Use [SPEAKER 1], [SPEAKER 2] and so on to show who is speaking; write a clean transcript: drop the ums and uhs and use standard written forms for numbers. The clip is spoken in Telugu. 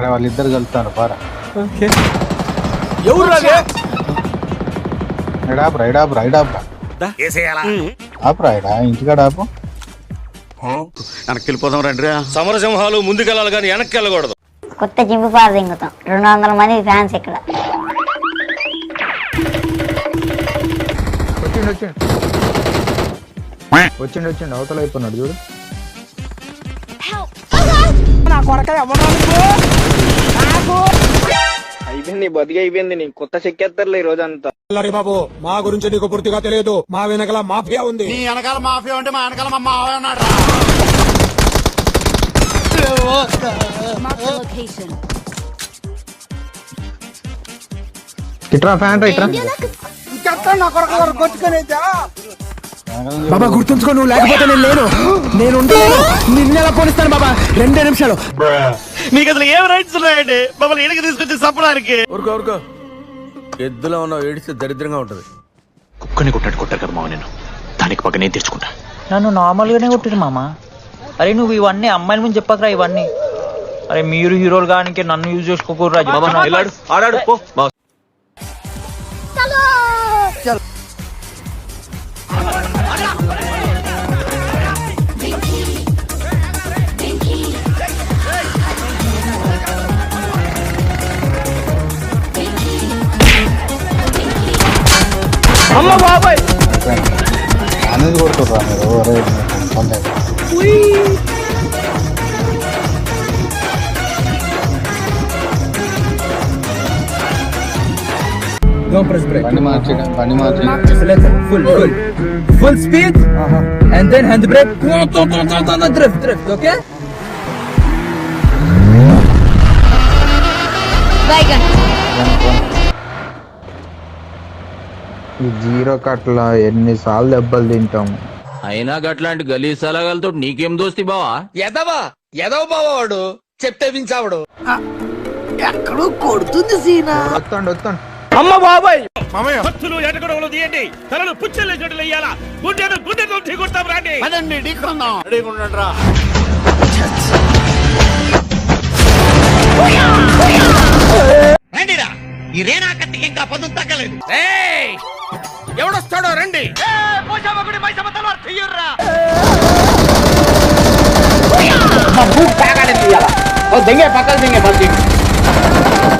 [SPEAKER 1] అరే వాళ్ళిద్దరు కలుతారు పారా. ఇంటికాడ ఆపు.
[SPEAKER 2] వెనక్కి వెళ్ళిపోదాం రండి. సమరసింహాలు ముందుకెళ్ళాలి కానీ వెనక్కి వెళ్ళకూడదు.
[SPEAKER 3] కొత్త జింపు పార దింగుతాం. 200 మంది ఫ్యాన్స్ ఇక్కడ.
[SPEAKER 1] వచ్చిండు అవతల అయిపోయినాడు చూడు.
[SPEAKER 4] అయిపోయింది బతికి అయిపోయింది. నీ కొత్త చెక్కేస్తారులే ఈ రోజంతా.
[SPEAKER 5] బాబు మా గురించి నీకు పూర్తిగా తెలియదు. మా వెనకాల మాఫియా ఉంది.
[SPEAKER 2] నీ వెనకాల మాఫియా ఉంటే మా వెనకాల మా మావ ఉన్నాడు.
[SPEAKER 1] ఇట్రా ఫ్యాన్ ఇట్రా.
[SPEAKER 5] బాబా గుర్తుంచుకో, నువ్వు లేకపోతే నేను లేను. నేను నిన్నెలా పోనిస్తాను బాబా. 2 నిమిషాలు.
[SPEAKER 2] మీకు అసలు ఏం రైట్స్ ఉన్నాయండి మమ్మల్ని ఇడికి తీసుకొచ్చి చంపడానికి?
[SPEAKER 6] ఊరుకో ఎద్దులో ఉన్నావు, ఏడిస్తే దరిద్రంగా ఉంటది.
[SPEAKER 7] కుక్కని కొట్టారు కదా మామ, నేను దానికి పక్క నేను తెచ్చుకుంటా.
[SPEAKER 8] నన్ను నార్మల్గానే కొట్టిరు మామ. అరే నువ్వు ఇవన్నీ అమ్మాయిల ముందు చెప్పకరా ఇవన్నీ. అరే మీరు హీరోలు కానీ నన్ను యూజ్ చేసుకోకూడదు.
[SPEAKER 6] ఆడాడు పో.
[SPEAKER 4] అమ్మ బాబాయ్
[SPEAKER 1] అనేది కొడుతుర్రా మీరు.
[SPEAKER 5] Don't press brake.
[SPEAKER 1] బండి మార్చి
[SPEAKER 5] Full speed. And then hand brake. Drift. Okay?
[SPEAKER 1] ఈ జీరో కట్ల ఎన్నిసార్లు దెబ్బలు తింటాం.
[SPEAKER 6] అయినా గట్లాంటి గలీజ్ సలగాలతో నీకేం దోస్తి బావా?
[SPEAKER 4] ఎదవ బావా వాడు చెప్తే వించావాడు.
[SPEAKER 5] ఎక్కడో కొడుతుంది సీనా.
[SPEAKER 1] వస్తాండు.
[SPEAKER 4] అమ్మ బాబాయ్
[SPEAKER 2] భక్తులు ఎటగొడవలు తీయండి. తలలు పుచ్చలే చోటులు వేయాలా. గుండెతో ఢీకొడతాం రండి. అదండి ఢీకొందాం. ఢీకొండ్రా. రండిరా. ఈ రేనా కత్తికి ఇంకా పదులు తగ్గలేదు. ఎవడొస్తాడో రండి.
[SPEAKER 4] దెంగే పక్కన దెంగే